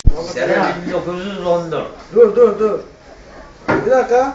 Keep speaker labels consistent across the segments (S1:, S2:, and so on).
S1: Sene 1914.
S2: Dur. Bir dakika.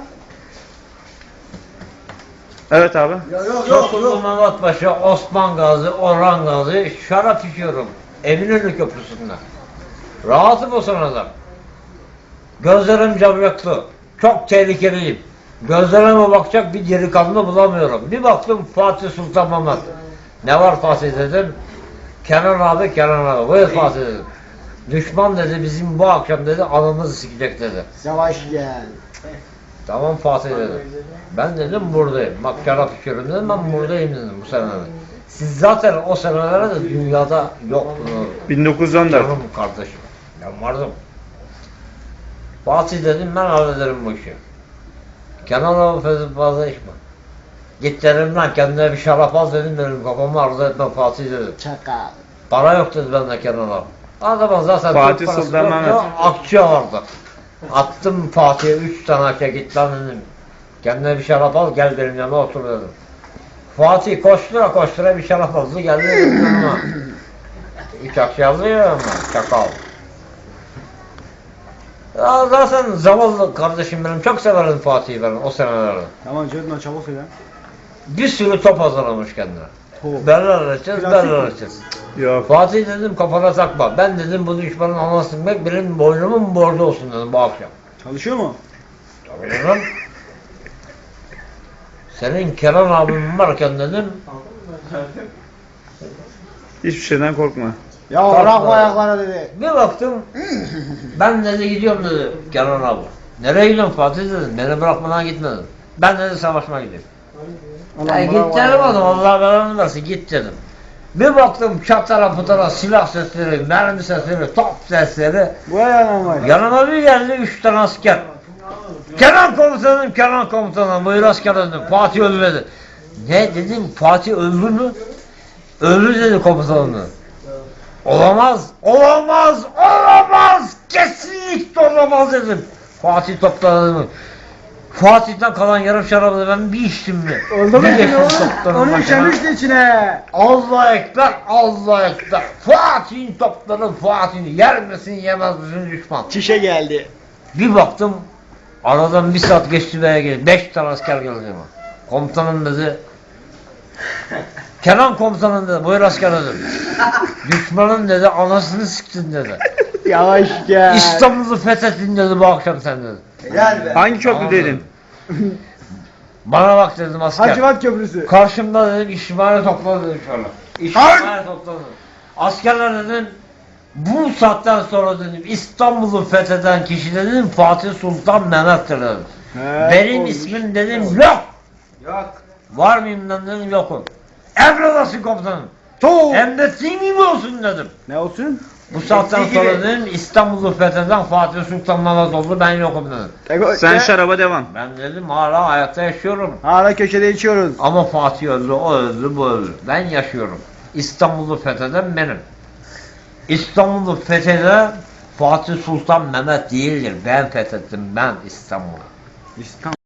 S3: Evet abi.
S2: Yok.
S1: Çoklu Mehmet Paşa, Osman Gazi, Orhan Gazi şarap içiyorum. Eminönü Köprüsü'nde. Rahatım o sırada. Gözlerim camyaklı. Çok tehlikeliyim. Gözlerime bakacak bir delikanlı bulamıyorum. Bir baktım Fatih Sultan Mehmet. Ne var Fatih dedim. Kenan abi. Buyur Fatih dedim. Düşman dedi bizim bu akşam dedi anamızı sikecek dedi.
S2: Yavaş gel.
S1: Tamam Fatih dedim. Ben dedim buradayım. Bak şarap içiyorum dedim, ben buradayım dedim bu senelerde. Siz zaten o senelerde de dünyada yoktunuz.
S3: 1914.
S1: Canım kardeşim. Ben vardım. Fatih dedim ben hallederim bu işi. Kenan abi fazla içme. Git dedim lan kendine bir şarap al dedim, benim kafamı arzu etme Fatih dedim.
S2: Çakal.
S1: Para yok dedi bende Kenan abi. Adamın zaten
S3: Fatih
S1: Türk parası
S3: Sultan
S1: yoktu,
S3: Mehmet.
S1: akçe vardı. Attım Fatih'e 3 tane akçe, git lan dedim. Kendine bir şarap al gel benim yanıma otur dedim. Fatih koştura bir şarap aldı geldi benim yanıma. 3 akçe aldı ya ama çakal. Ya zaten zavallı kardeşim benim, çok severim Fatih'i ben o senelerde.
S2: Tamam Cedman çabuk söyle.
S1: Bir sürü top hazırlamış kendine.
S2: Top.
S1: Berler açacağız,
S2: Plastik
S1: berler
S2: mi?
S1: açacağız.
S3: Yok.
S1: Fatih dedim kafana takma. Ben dedim bu düşmanın anasını bilmek benim boynumun borcu olsun dedim bu akşam.
S2: Çalışıyor mu?
S1: Tabii dedim. Senin Kenan abim varken dedim.
S3: Hiçbir şeyden korkma.
S2: Ya
S1: Kalk
S2: bırakma
S1: lan.
S2: ayaklara dedi.
S1: Bir baktım. Ben dedi gidiyorum dedi Kenan abi. Nereye gidiyorsun Fatih dedim. Beni bırakmadan gitme dedim. Ben dedi savaşmaya gidiyorum. Ya git dedim adam, Allah belanı versin git dedim. Bir baktım çatara putara silah sesleri, mermi sesleri, top sesleri.
S2: Bu ayağına var.
S1: Yanıma bir geldi 3 tane asker. Kenan komutanım, buyur asker dedim. Fatih öldü dedi. Ne dedim, Fatih öldü mü? Öldü dedi komutanım. Olamaz, kesinlikle olamaz dedim. Fatih topladı. Fatih'ten kalan yarım şarabı ben bir içtim mi?
S2: Oldu mu
S1: Bir
S2: şimdi
S1: geçtim
S2: oğlum?
S1: toplarım
S2: Onu
S1: başına.
S2: işemişti içine.
S1: Allah ekber. Fatih'in topları Fatih'in yer misin yemez misin düşman.
S2: Çişe geldi.
S1: Bir baktım aradan bir saat geçti veya geldi. 5 tane asker geldi ama. Komutanım dedi. Kenan komutanım dedi. Buyur asker dedim. Düşmanın dedi anasını siktin dedi.
S2: Yavaş gel.
S1: İstanbul'u fethettin dedi bu akşam sen dedi.
S2: Gel be.
S3: Hangi
S1: Tamam
S3: köprüdeydin?
S1: dedim. Bana bak dedim asker.
S2: Hacivat Köprüsü.
S1: Karşımda dedim işimhane topladı dedim şöyle. İşimhane topladı. Askerler dedim bu saatten sonra dedim İstanbul'u fetheden kişi dedim Fatih Sultan Mehmet'tir dedim. Benim
S2: olmuş.
S1: ismim dedim yok.
S2: Yok.
S1: Var mıyım dedim yokum. Emredasın komutanım. Hem de senin gibi olsun dedim.
S2: Ne olsun?
S1: Bu saatten
S2: Eski
S1: sonra
S2: gibi.
S1: dedim İstanbul'u fetheden Fatih Sultan Mehmet oldu, ben yokum dedim.
S3: Sen şaraba devam.
S1: Ben dedim hala hayatta yaşıyorum.
S2: Hala köşede içiyoruz.
S1: Ama Fatih öldü, o öldü, bu öldü. Ben yaşıyorum. İstanbul'u fetheden benim. İstanbul'u fetheden Fatih Sultan Mehmet değildir. Ben fethettim, ben İstanbul'u.
S2: İstanbul.